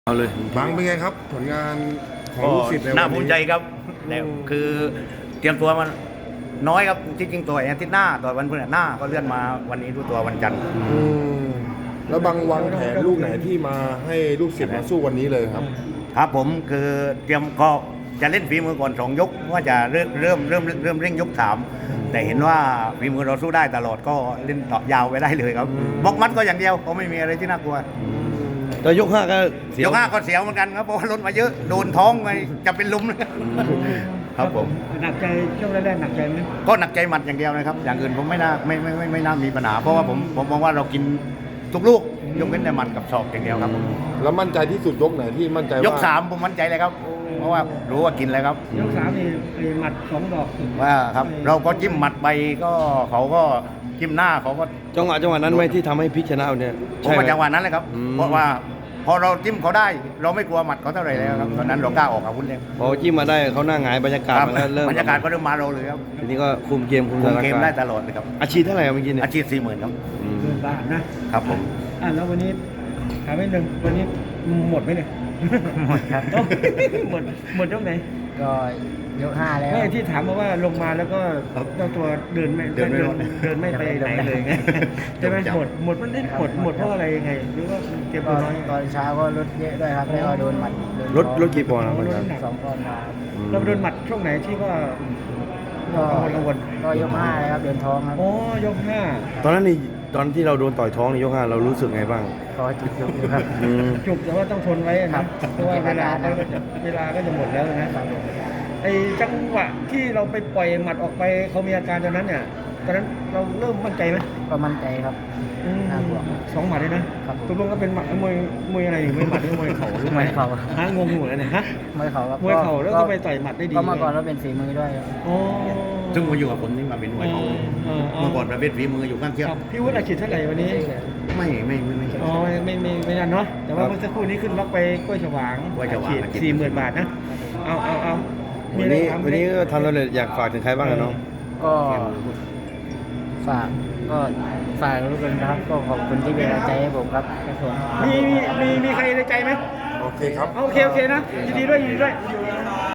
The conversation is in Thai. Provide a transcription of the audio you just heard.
เอาเลยบังเป็นไงครับผลงานของก็ลูกศิษย์ในวันนี้น่าภูมิใจครับแต่คือเตรียมตัวมันน้อยครับที่จริงตัวอาทิตย์หน้าตัววันพฤหัสหน้าก็เลื่อนมาวันนี้ดูตัววันจันทร์อืมแล้วบังวางแผนลูกไหนที่มาให้ลูกศิษย์มาสู้วันนี้เลยครับครับผมคือเตรียมก็จะเล่นฝีมือก่อน2 ยกว่าจะเริ่มเร่งยก 3แต่เห็นว่าฝีมือเราสู้ได้ตลอดก็เล่นต่อยาวไปได้เลยครับบล็อกมัดก็อย่างเดียวก็ไม่มีอะไรที่น่ากลัวแต่ยก 5ก็เสียยว ก 5ก็เสียวเหมือนกันครับเพราะว่าลดมาเยอะโดนท้องไปจะเป็นลุมครับผมหนักใจช่วงแรกๆหนักใจไหมก็หนักใจหมัดอย่างเดียวนะครับ อย่างอื่นผมไม่น่าไม่น่ามีปัญหา เพราะว่าผมมองว่าเรากินทุกลูกยกเว้นแต่หมัดกับศอกอย่างเดียวครับแล้วมั่นใจที่สุดยกไหนที่มั่นใจว่ายก 3ผมมั่นใจเลยครับ เพราะว่ารู้ว่ากินแล้วครับยกสามนี่หมัด2 ดอกว่าครับเราก็จิ้มหมัดไปก็เขาก็จิ้มหน้าเขาก็จังหวะนั้นไหมที่ทำให้พลิกชนะเนี่ยผมใช่ไหมว่าจังหวะนั้นเลยครับอืมเพราะว่าพอเราจิ้มเขาได้ เราไม่กลัวหมัดเขาเท่าไหร่แล้วครับตอนนั้นเรากล้าออกอาวุธเลยพอจิ้มมาได้เขาหน้าหงายบรรยากาศครับมันก็เริ่มบรรยากาศก็เริ่มมาเราเลยครับทีนี้ก็คุมเกมคุมคุสมถานเกมการได้ณ์ตลอดเลยครับอาชีพเท่าไหร่ครับเมื่อกี้เนี่ยอาชีพ40,000ครับอืม 10,000 บาทนะครับผมแล้ววันนี้ถามนิดนึงวันนี้หมดไหมเนี่ยหมดครับหมดยกไหนก็ยก 5 แล้วไม่ที่ถามมาว่าลงมาแล้วก็เจ้าตัวเดินไม่เดินไม่รอดเดินไม่ไปไหนเลยไงใช่ไหมจับหมดมันได้หมดเพราะอะไรยังไงหรือว่าเตรียมก็ตัวน้อยตอนเช้าก็ลดเยอะด้วยครับแล้วก็โดนหมัดโดนรถกี่ปอนด์ครับลดอาจารย์น้ำหนัก 2 ปอนด์มาครับเราโดนหมัดช่วงไหนที่ว่าก็กังวลก็ยก 5 เลยครับเดินท้องครับโอ้ยกตอนนั้นนี่ตอนที่เราโดนต่อยท้องในยก 5เรารู้สึกไงบ้างก็จุดยกอยู่ครับอืม 5จุกแต่ว่าต้องทนไว้นะเพราะว่าเวลาก็จะหมดแล้วนะ ไอ้จังหวะที่เราไปปล่อยหมัดออกไปเขามีอาการตอนนั้นเนี่ยตอนนั้นเราเริ่มมั่นใจไหมก็มั่นใจครับ น่ากลัว 2 หมัดเลยนะครับ ตกลงก็เป็นหมัดมวยอะไรอยู่มวยหมัดหรือมวยเข่าหรือมวยเข่าฮะงงอยู่เลยเนี่ยฮะมวยเข่าครับมวยเข่าแล้วก็ไปต่อยหมัดได้ดีก็เมื่อก่อนเราเป็นฝีมือด้วยครับโอ้ซึ่งมาอยู่กับผมนี่มาเป็นมวยเขาเมื่อก่อนประเภทฝีมืออยู่ข้างเทียบครับพี่วุฒิอาชีพเท่าไหร่วันนี้ไม่ใช่อ๋อไม่นั่นเนาะแต่ว่าเมื่อสักครู่นี้ขึ้นล็อกไปกล้วยฉวางกล้วยฉวางอาชีพ40,000 บาทนะเอามีวันอะไรนี้ถามไหมวันนี้ก็ทำสำเร็จอยากฝากถึงใครบ้างอะน้องก็ฝากลูกกันนะครับ ก็ขอบคุณที่เป็นกำลังใจให้ผมครับครับผมมีใครในใจไหมโอเคครับโอเคนะยินดีด้วย